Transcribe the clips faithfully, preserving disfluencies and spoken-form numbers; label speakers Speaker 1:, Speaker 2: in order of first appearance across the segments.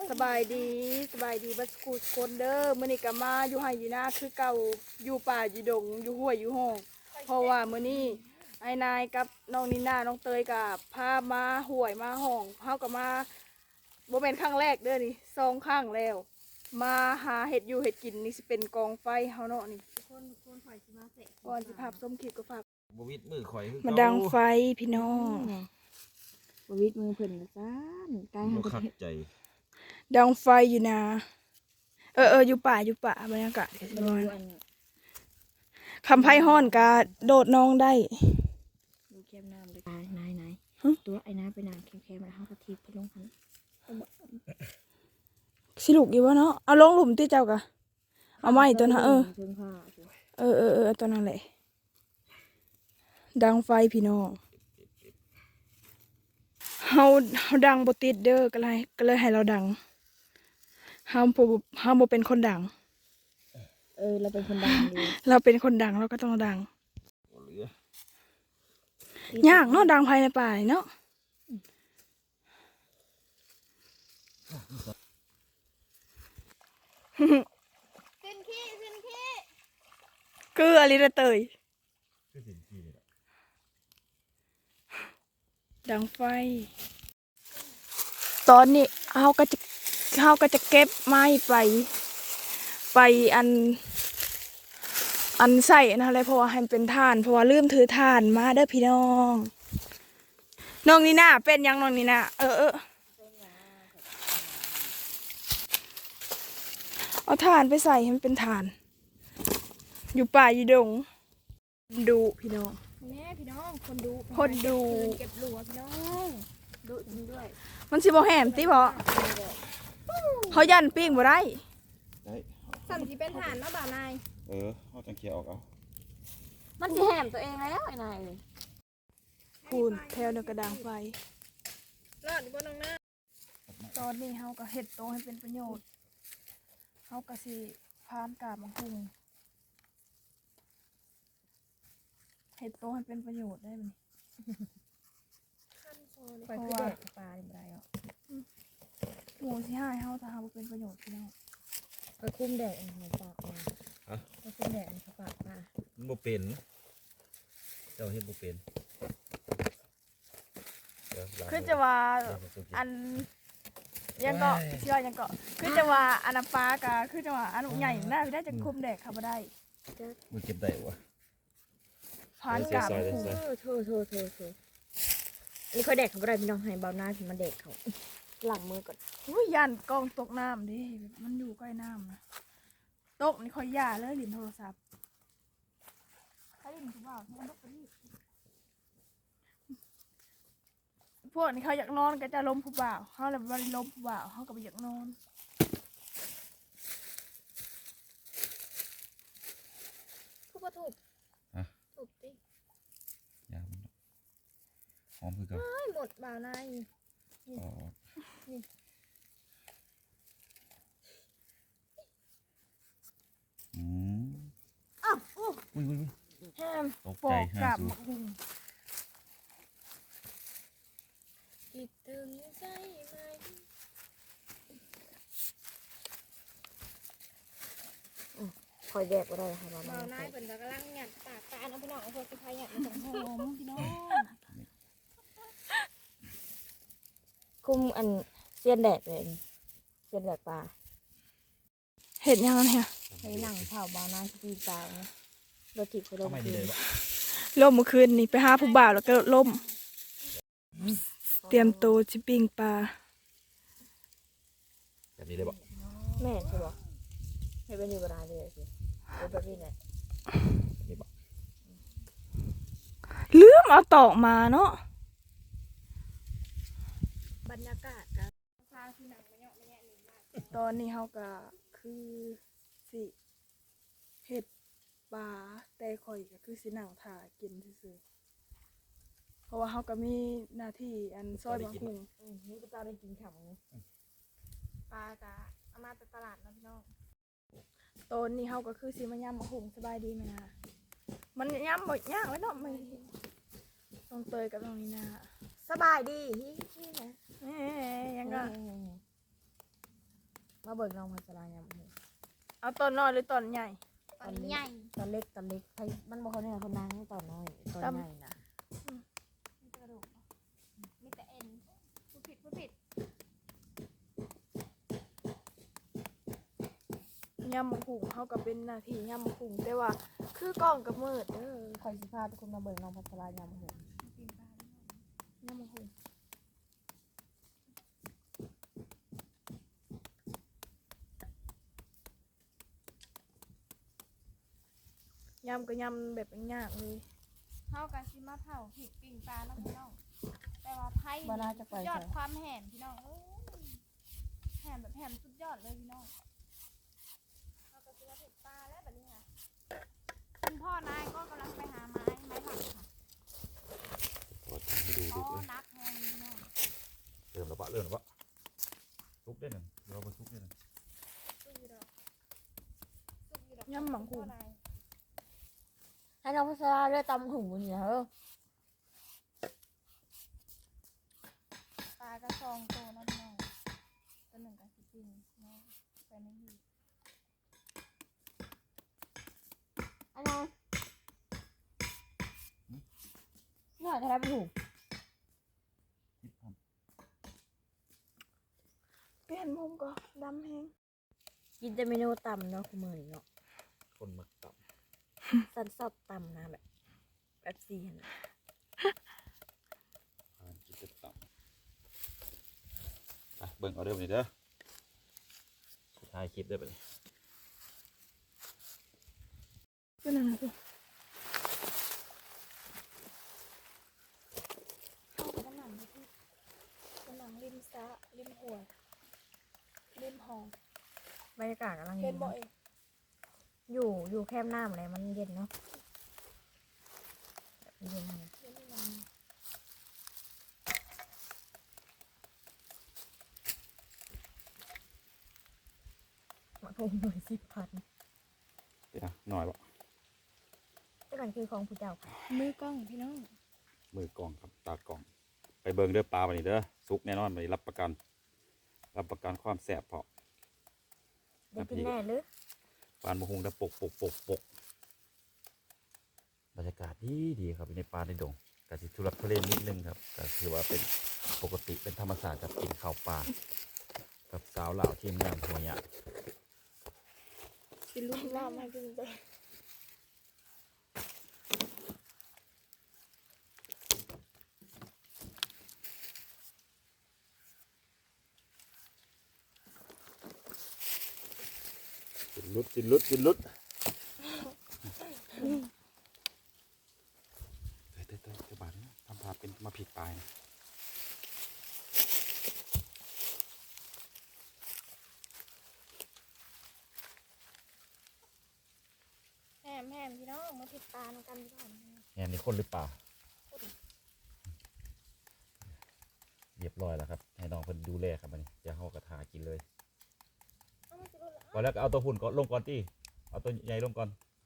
Speaker 1: สบายดีสบายดีบัสกูสคนเด้อมื้อนี้ก็มาอยู่ไห้อยู่นาคือเก่าอยู่ป่าอยู่ดงอยู่ห้วยอยู่ห้องเพราะว่ามื้อนี้ไอ้นายกับน้องนิน่าน้องเตยกับพามาห้วยมาห้องเฮาก็มาบ่แม่นครั้งแรกเด้อนี่สองครั้งแล้วมาหาเห็ดอยู่เห็ดกินนี่สิเป็นกองไฟเฮาเนาะนี่คนคนฝ่ายสิมาเสะก่อนสิภาพส้มคลิปก็ฝาก
Speaker 2: บวิดมือข่อยคือ
Speaker 1: มา
Speaker 2: เก่
Speaker 1: ดังไฟพี่น้อง
Speaker 3: บวิดมือเพิ่นละซ่านกาย
Speaker 2: บ่
Speaker 3: หัน
Speaker 2: คักใจ
Speaker 1: ดังไฟอยู่นะเออเอออยู่ป่าอยู่ป่าบรรยากาศก็สิ
Speaker 3: มัน
Speaker 1: ประมาณ
Speaker 3: ดูอัน
Speaker 1: คำไพ่ห้อนกาโดดน้องได้
Speaker 3: ดูแคมน้ำเลยนายนายนาย
Speaker 1: ฮะ
Speaker 3: ตัวไอ้น้ำไปน้ำแคมๆแล้วเฮากะทิไปลงหัน
Speaker 1: สิลูกอยู่วะเนาะเอาลงหลุมที่เจ้ากะเอาไม้ตัวนั้นเออ
Speaker 3: เพิ่งผ้าสิ
Speaker 1: เออเออเออตัวนั้นแหละดังไฟพี่น้องเฮาเฮาดังบ่ติดเด้อก็เลยก็เลยให้เราดังเฮาบ่เฮาบ่เป็นคนดัง
Speaker 3: เออเราเป็นคนดังอยู่
Speaker 1: เราเป็นคนดังเราก็ต้องดัง
Speaker 2: บ่เหลือ
Speaker 1: ยากเนาะดังภายในป่าเนาะขึ้นขี้ขึ้นขี้คืออะไรนะเตย
Speaker 2: คือสินขี้นี่แหละ
Speaker 1: ดังไฟ ตอนนี้เฮาก็จะเฮาก็จะเก็บไม้ไป ไปอัน อันใส่นะอะไรเพราะว่าให้มันเป็นถ่านเพราะว่าลืมถือถ่านมาเด้อพี่น้องน้องนี่น่าเป็นยังน้องนี่น่าเออเออเอาถ่านไปใส่ให้มันเป็นถ่าน อยู่ป่าอยู่ดงดูพี่น้อง
Speaker 3: แม่พี่น้องคนดู
Speaker 1: คนดู
Speaker 3: เก็บหลัวพี่น้องดูจริงด้วย
Speaker 1: มันสิบ่แหมติบ่เขายันปิ้งบ่ได้
Speaker 2: ได้
Speaker 3: สั่นสิเป็นฐานเนาะบ่าวนาย
Speaker 2: เออเอาจังเคียออกเอา
Speaker 3: มันสิแหมตัวเองแล้วไอ้นาย
Speaker 1: พูนแถวเดียวกระดางไฟ
Speaker 3: รอดอยู่บนน้องหน้า
Speaker 1: ตอนนี้เฮาก็เฮ็ดโตให้เป็นประโยชน์เฮาก็สิพานกาบมังคุงเฮ็ดโตให้เป็นประโยชน์ได้มั้ย
Speaker 3: ไปคือแดกปลาได้บ่ได้หรอ
Speaker 1: หมูสิหายเฮาถ้าเฮาบ่เป็นประโยชน์พี่น้อง
Speaker 3: ไปคุ้มแดดอันของปากมาไปคุ้มแดดอันของปากมา
Speaker 2: มันบ่เป็นเจ้าเฮ็ดบ่เป็นเดี๋ยวล้าง
Speaker 1: คือจะว่า
Speaker 2: เดี๋ยวผมจะกิน
Speaker 1: อันยังก็เชื่อยังก็คือจะว่าอันน้ำปลาก็คือจะว่าอันใหญ่น่าได้จะคุมแดกเขาบ่ได้
Speaker 2: มันเก็บได้วะ
Speaker 1: พานกาบ
Speaker 2: ใส่
Speaker 1: มัง
Speaker 2: ใส่
Speaker 1: คุง
Speaker 2: ใส่
Speaker 3: โธ่โธ่โธ่โธ่นี่ค่อยแดกเขาบ่ได้พี่น้องให้เบาหน้าถึงมาแดกเขาหลังมือก่อน
Speaker 1: อุ้ยย่านกล้องตกน้ำดิมันอยู่ใกล้น้ำนะตกนี่ค่อยย่าเลยลิ้นโทรศัพท์ถ้าลิ้นถูกเปล่ามันตกไปนี่พวกนี้เขาอยากนอนก็จะล้มผู้บ่าวเขาเลยวันล้มผู้บ่าวเขาก็ไปอยากนอน
Speaker 3: ทุบก็ทุบทุบดิ
Speaker 2: ยามันหอมคือเกัน
Speaker 3: ไม่หมดบ่าวนาย
Speaker 2: อ๋ออืม
Speaker 3: อ้าวอู้
Speaker 2: อุ้ยอุ้ยอุ้ย
Speaker 3: แฮม
Speaker 2: ตก
Speaker 1: ปอ
Speaker 2: ใจ
Speaker 1: ก
Speaker 2: ห้าก
Speaker 1: าบ
Speaker 2: สู
Speaker 1: มักหุง
Speaker 3: คิดถึงใจไหมคอยแดกก็ได้ค่ะบ่าวนายบ่าวนายเป็นกำลังหยัดปากตาเนาะพี่น้องเอาพวกสิพายหยัดมาส่งหอมพี่น้องคุมอันเสียนแดดเลยเสียนแดดปลา
Speaker 1: เห็ดยังไงเนี่ย
Speaker 3: ใช้หนังเผาบ่าวนายที่ปีปลาเนาะรถถีบไปล
Speaker 2: ก็
Speaker 3: ง
Speaker 2: ไม่
Speaker 3: คื
Speaker 2: ดีเล
Speaker 3: น
Speaker 2: ยวะ
Speaker 1: ล่มเมื่อคืนนี่ไปหาผู้บ่าวแล้วก็ล่ม เตรียมตัวจิปิ้งปลา
Speaker 2: แบบนี้เลยบ่
Speaker 3: แม่ใช่ปะไม่เป็นอยู่เวลาเลยสิเป็นแบบนี้แหละ
Speaker 2: แบบนี้บ่
Speaker 1: ลืมเอาตอกมาเนาะ
Speaker 3: บรรยากาศกัน
Speaker 1: ตอนนี้เฮาก็คือสิเห็ดปลาแต่ข่อยก็คือสินั่งถ่ากินซื่อๆเพราะว่าเฮาก็มีหน้าที่อันซอยบางหุง
Speaker 3: อืมนี่ก็จะได้กินขำปลากะเอามาจากตลาดนะพี่น้อง
Speaker 1: ตอนนี้เฮาก็คือสิมาย่ำบางหุงสบายดีไหมนะมันย่ำบ่ยากเลยเนาะมันน้องเตยกับน้องนี่นา
Speaker 3: สบายดีฮิฮินะ
Speaker 1: เอ๊ะยังก็
Speaker 3: มาเบิกน้องพัชรายามหู
Speaker 1: เอาตอนน้อยหรือตอนใหญ่
Speaker 4: ตอนใหญ่
Speaker 3: ตอนเล็กตอนเล็กใครมันบอกเขาเนี่ยคนนางตอนน้อยตอนใหญ่นะ
Speaker 4: มีแต่กระดูกเนาะมีแต่เอ็นพูดผิดพูดผิด
Speaker 1: ยำมะขุงเขาก็เป็นหน้าที่ยำมะขุงแต่ว่าคือกล้องกับมืดเด้อ
Speaker 3: คอยสิพาทุกคนมาเบิกน้องพัชรายามหู
Speaker 4: ปีนปลาด้วย
Speaker 1: ยำมะขุงยำก็ยำแบบยากเลย
Speaker 4: เท่ากับซิมาเผาผิดปีนปลาแล้วพี่น้องแต่ว่าไพ่
Speaker 3: บ้านน่าจะไป
Speaker 4: สุดยอด
Speaker 3: ใส่
Speaker 4: ความแหมพี่น้องโอ้ยแหมแบบแหมสุดยอดเลยพี่น้องเท่ากับซิมาผิดปลาแล้วแบบนี้ค่ะคุณพ่อนายก็กำลังไปหาไม้ไม้หลังค่ะ
Speaker 2: พอทำไปดู
Speaker 4: อ๋
Speaker 2: ดู
Speaker 4: อ
Speaker 2: เลย
Speaker 4: นักแหงพี่น้อง
Speaker 2: เริ่มแล้วปะเริ่มแล้วปะซุกได้หนึ่งเราไปซุกได้หนึ่ง
Speaker 4: สุดยอดสุดยอด
Speaker 1: ยำหมังขุง
Speaker 4: พ่อนาย
Speaker 3: ให้น้องพัชราเลือดตำหูนี่นะเออ
Speaker 4: ปลากระซองโตนะพี่น้องตัวหนึ่งกับสิบปีเนาะไปไม่ดี
Speaker 3: อันนั้นนี่หน่อยทำไมเป็นหู
Speaker 2: คิดท
Speaker 1: เปลี่ยนมุมก็ดำแห้ง
Speaker 3: กินแต่เมนูตำเนาะคุณมือนี่เนาะ
Speaker 2: ำคนมักต่ำ
Speaker 3: สันสอบตำนะแบบแบบซีนนะ
Speaker 2: อ่านคิดจะต่ำไปเบิ่งเอาเด้อไปเด้อสุดท้ายคลิปเด้อไปเลย
Speaker 1: ก็นั่นนะสิเข้าไปด้านหลังที่ด้านหลังริมสระริมหัวริมหอง
Speaker 3: บรรยากาศกำลัง
Speaker 1: เห็
Speaker 3: เย็
Speaker 1: น
Speaker 3: น
Speaker 1: บ่
Speaker 3: เนาะ
Speaker 1: เอง
Speaker 3: อยู่อยู่แคมป์น้ำอะไรมันเย็นเนาะแบบเย็นเลย
Speaker 1: เห็นหลัง
Speaker 3: มาคงหน่วยสิบพัน
Speaker 2: เดี๋ยวหน่อยปะ
Speaker 3: เจ้าหน้าคือของผู้เจ้าค่ะ
Speaker 1: มือกล้องพี่น้อง
Speaker 2: มือกล่องครับตากล่อง ไปเบิ่งเด้อปลาวันนี้เด้อซุกแน่นอนวันนี้รับประกัน รับประกันความแสบเพาะ
Speaker 3: ได้กินแน่หรือ
Speaker 2: ปานมะฮุงได้ปกปกปกปกบรรยากาศดีดีครับอยู่ในป่าในดงกะสิทุรักทุเลนิดนึงครับก็ถือว่าเป็นปกติเป็นธรรมศาสตร์กับกินข้าวปลากับสาวเหล่าทีมงานหัวหยะ
Speaker 1: สิลูกน้ำให้กินใจ
Speaker 2: กินลุดกินลุดกินลุดเต้ยเต้ยเต้ยเต้ยบาดนะทำพาเป็นมาผิดปลายนะ
Speaker 4: แหมแหมพี่น้องมาผิดตาน้องกันพี่น้อง
Speaker 2: แหนนี่คนหรือเปล่าเรียบร้อยแล้วครับให้น้องเพิ่นดูแลครับมันจะห่อกระทากินเลย
Speaker 4: เอามาสิลูกละ
Speaker 2: พอแล้วก็เอาตัวหุ่นก่อนลงก่อนที่เอาตัวใหญ่ลงก่อน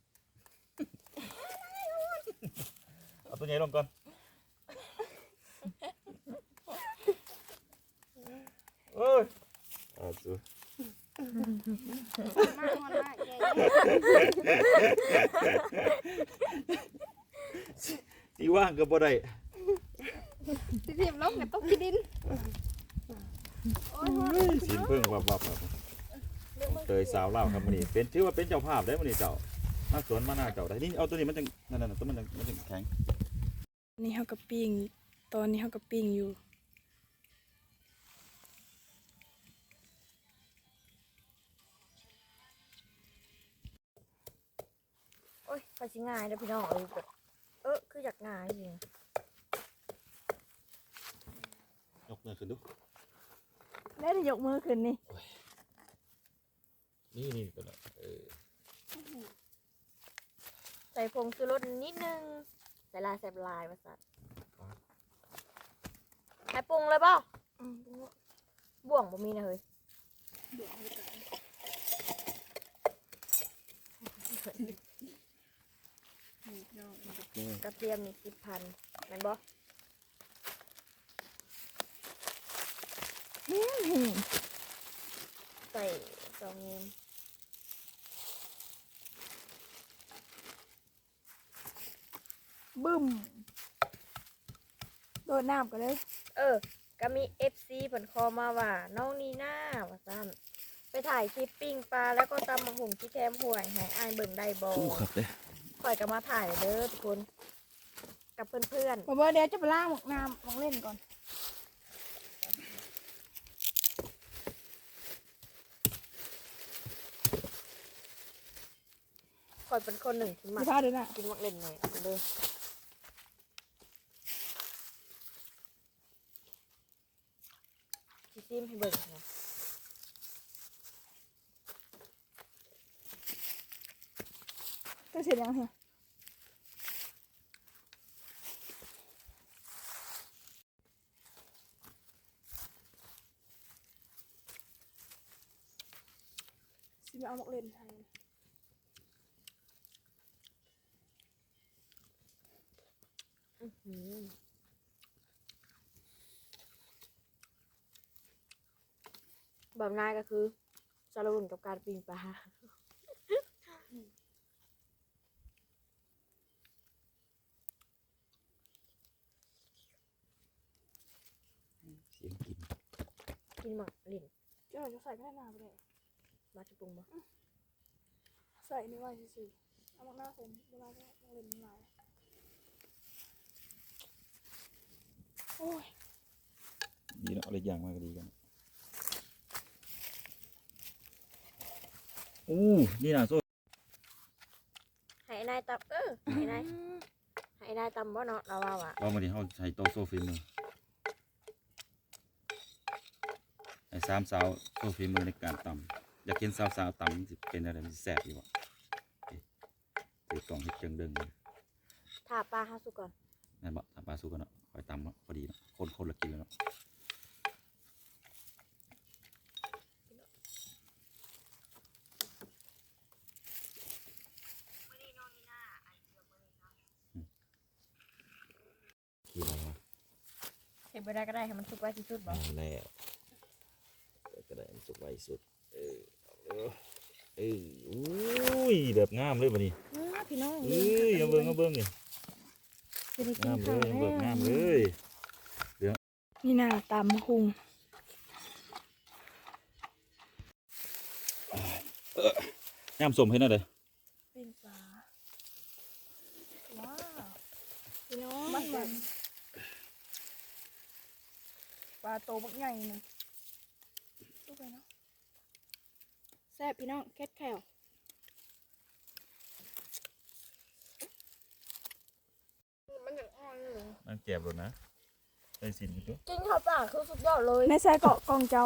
Speaker 2: เอาตัวใหญ่ลงก่อนเอ้ยเอาสิ
Speaker 4: มากมันมากใหญ่
Speaker 2: ที่ว่างก็บ่ได้
Speaker 4: สิเทียบลงกับต้องกินดินโอ้ยโอ้ย
Speaker 2: สินเพิ่งวับวับครับเตยสาวเล่าวครับมันนี่เป็นชื่อว่าเป็นเจ้าภาพได้มันนี่เจ้ามาสวนมาหน้าเจ้าได้นี่เอาตัวนี้มันจังนั่นน่ะตัวมันจังมันจังแข็ง
Speaker 1: นี่เขากับปิ้งตอนนี้เขากับปิ้งอยู่
Speaker 3: โอ้ยไปสิง่ายเด้อพี่น้องเอ้ยแบบเออคืออยากง่ายจริง
Speaker 2: ยกมือขึ้นดู
Speaker 1: ได้แต่ยกมือขึ้นนี่
Speaker 2: นี่นี่ตัวนั้นเออ
Speaker 3: ใส่ผงชูรสนิดนึงใส่ลายใส่ลายมาสัตว์ใส่ปรุงเลยเปล่า
Speaker 1: อืม
Speaker 3: บ่วงบ่มีนะเฮ้ย
Speaker 1: เดี๋ยวให้ก่อนนี่พี่น้องมันจะ
Speaker 3: กระเทียมนี่สิบพันแม่นบ่
Speaker 1: แห้ง
Speaker 3: ตส่สองเงิน
Speaker 1: บึ้มโดดน้ำกันเลย
Speaker 3: เออก็มี เอฟ ซี ผลคอมาว่าน้องนีน่าว่าซั่นไปถ่ายคลิปปิ้งปลาแล้วก็ตำมะหุ่งที่แคมห่วยให้อายเบิ่งได้บ่
Speaker 2: อู้ครับเด้
Speaker 3: ข่อยก็มาถ่ายเด้อทุกคน กับเพื่อน
Speaker 1: ผมว่าเดี๋ยวจะไปล่างหมกน้ำลองเล่นก่อน
Speaker 3: ๆข่อยเป็นคนหนึ่งที่มั
Speaker 1: ดู
Speaker 3: ก
Speaker 1: ท่าด้วยนะ
Speaker 3: กินมักเล่นแหน่เด้อสิซิมให้เบิ่งนะ
Speaker 1: ก็เสร็จยังเหรอสิมาเอาหมกเล่นไทย
Speaker 3: อื้อหือแบบง่ายก็คือสารวุ่นกับการปิ้งปลา
Speaker 2: เสียงกิน
Speaker 3: กินหมักเล่น
Speaker 1: เจ้าจะใส่แค่หน้าไปเลย
Speaker 3: มาจะปรุงบ่
Speaker 1: ใส่นี่ไว้สิเอาหมกหน้าใส่เวลาก็หมกเล่นมันลายโอ้ย
Speaker 2: ดีเนาะอะไรอย่างมากก็ดีกันอู้นี่น่ะโซ่
Speaker 3: ให้นายตำเออให้นายให้นายตำบ่เนาะเราว่าว่ะ
Speaker 2: ว่ามาดิเฮาใช้โต๊ะโซฟีมือไอ้สามสาวโซฟีมือในการตำอยากเห็นสาวสาวๆตำมันสิเป็นอะไรมันสิแซ่บดีวะถือกล่องเฮ็ดจังเดิง
Speaker 3: ถ้าปลาห้าสุกก่อน
Speaker 2: นั่นบ่ทำปลาสุกกันเนาะคอยตำเนาะพอดีเนาะคนคนละกินแล้วเนาะกินอะไรวะ
Speaker 3: เห็นไปได้ก็ได้ให้มันสุกไว้ที่สุดบ่
Speaker 2: เอาแล้วก็ได้มันสุกไวสุดเออเอาเลยเอออุ้ยแบบงามเลยบัดนี้
Speaker 3: พี่น้อง
Speaker 2: เอ้ยเอาเบิ่งเอาเบิ่งนี่
Speaker 3: จะได้กิ
Speaker 2: งาน มเล
Speaker 3: ข้าวย
Speaker 2: เอา
Speaker 3: แล้
Speaker 2: เบิ่ง
Speaker 3: ว
Speaker 2: งามเลย
Speaker 1: นี่หน้าตำหุง
Speaker 2: งามสมให้หน่อยเด้อ
Speaker 1: ปิ้งปลาว้าวพี่น้องมันมันปลาโตบักใหญ่หนึงดูไปเนาะแซ่บพี่น้องแคทแคล
Speaker 3: มันอย่างอ่อนเลย
Speaker 2: นั่งแก็บรถนะได้สินอยู่ตัว
Speaker 3: กินข้าวปลาคือสุดยอดเลย
Speaker 1: ในใส่เกาะกองเจ้า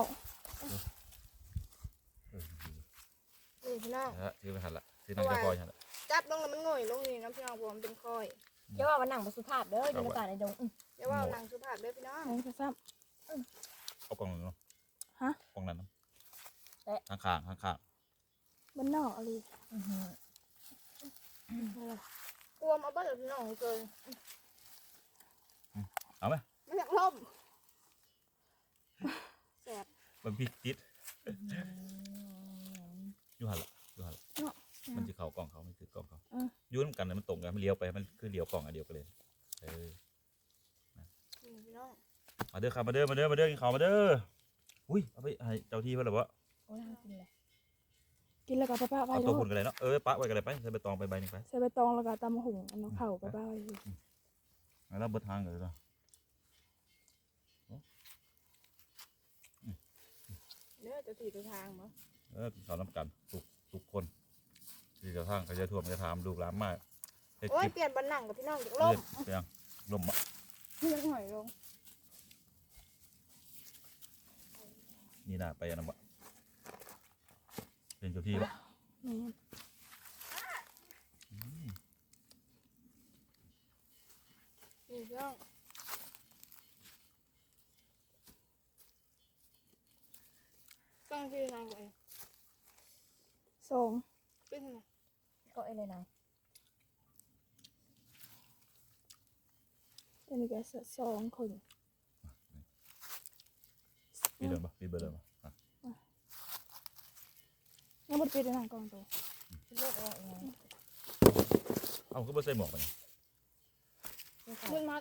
Speaker 3: นี่พี่น้อง
Speaker 2: ฮะถือไปหันละถือนั่งจะคอยหันละ
Speaker 3: จับลงแล้วมันง่อยลงนี่น้ำพี่น้องผมเป็นคอยอย่าว่ามันหนังสุภาพเด้ออยู่ในป่าในดงอย่าว่าหนังสุภาพเด้อพี่น้อง
Speaker 1: ในกระซับ
Speaker 2: เอากล่องนั้นเนาะ
Speaker 1: ฮะ
Speaker 2: กล่องนั้นเนาะข้างข้างข้างข้าง
Speaker 1: มันนอกอะไร
Speaker 3: กลัวมาเบิ้ลพี่น้องเกิน
Speaker 2: ๆเอาไหม
Speaker 3: มันอยากล่มแสบ
Speaker 2: มันพริกติดอยู่หันละอยู่หันละมันจะเข่ากล่องเขาไม่คือกล่องเขายุ่นกันเลยมันตรงกันมันเลี้ยวไปมันคือเลี้ยวกล่องอันเดียวกันเลยเออ
Speaker 3: พี่น้อง
Speaker 2: มาเด้อครับมาเด้อมาเด้อมาเด้อกินข้าวมาเด้ออุ้ยเอาไปให้เจ้าที่เพื่อนหรอวะ
Speaker 3: โอ้ยกินเลย
Speaker 1: กินแล้วก็ป้าป้าไว้
Speaker 2: เอา
Speaker 1: แล้
Speaker 2: ตัว วหุ่นกันเลยเนาะเออปะไว้กันเลยไปใส่ใบตองไปใบหนึ่งไป
Speaker 1: ใส่ใบตองแล้วก็ตำหุงอันน้องเข่าป้าป้าไว้เลย
Speaker 2: แล้วเบิดทางเลยเนาะ
Speaker 3: เนื้อจะถีบทางมั้ง
Speaker 2: เออสาวน้ำกันทุกทุกคนที่จะทางเขาจะท่วมจะถามลูกหลานมากเฮ็ด
Speaker 3: โอ้
Speaker 2: ค
Speaker 3: ย
Speaker 2: ลิป
Speaker 3: เปลี่ยนบันหนังกับพี่น้องจาก
Speaker 2: เฮ็
Speaker 3: ล่ม
Speaker 2: ดเปียงลมอ่ะ
Speaker 1: เลี้ยงหอยลง
Speaker 2: นี่น่าไปอันนั้นบ่เป็นเจ้าที่บ่
Speaker 1: นี่
Speaker 3: นี่พี่น้องตั้งชื่อนางก่อน
Speaker 1: สอง
Speaker 3: เป็นไงก็เอเลยนาย
Speaker 1: อันนี้ก็สองคน
Speaker 2: มีเดินบ่มีเบอร์เดินบ่อ่ะ
Speaker 1: ยังบ่ได้ปิดเลยนะกล้องตัว
Speaker 3: เลือกเอาไง
Speaker 2: เอาก็บ่ใส่หมวกไปนี่
Speaker 1: มึงมา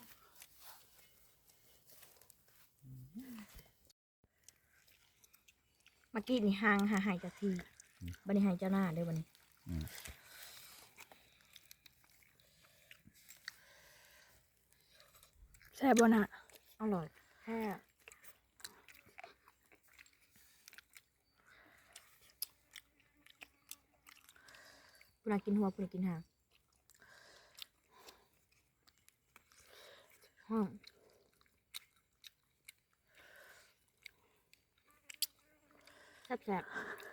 Speaker 3: เมื่อกี้นี่ห่างหาหายจากทีบันนี้หายเจ้าหน้าเด้อบันนี้
Speaker 2: อืม
Speaker 1: แซ่บบ่น่ะ
Speaker 3: อร่อยแค่ปุนากินหัวปุนากินหางห้องแซ่บแซ่บ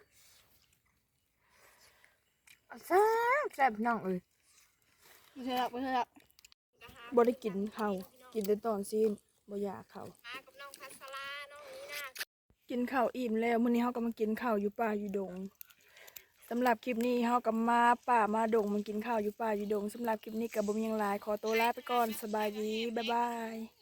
Speaker 3: แซ่บแซ่บพี่น้องเอ้ย
Speaker 1: บ่ใช่ละบ่ใช่ละบ่ได้กินข้าวกินแต่ตอนซีนบ่อยากข้าว
Speaker 3: มากับน้องพัสลาน้องนี้นะ
Speaker 1: กินข้าวอิ่มแล้วมื้อนี้เฮาก็มากินข้าวอยู่ป่าอยู่ดงสำหรับคลิปนี้เฮาก็มาป่ามาดงมากินข้าวอยู่ป่าอยู่ดงสำหรับคลิปนี้ก็บ่มีหยังหลายขอตัวลาไปก่อนสบายดีบ๊ายบาย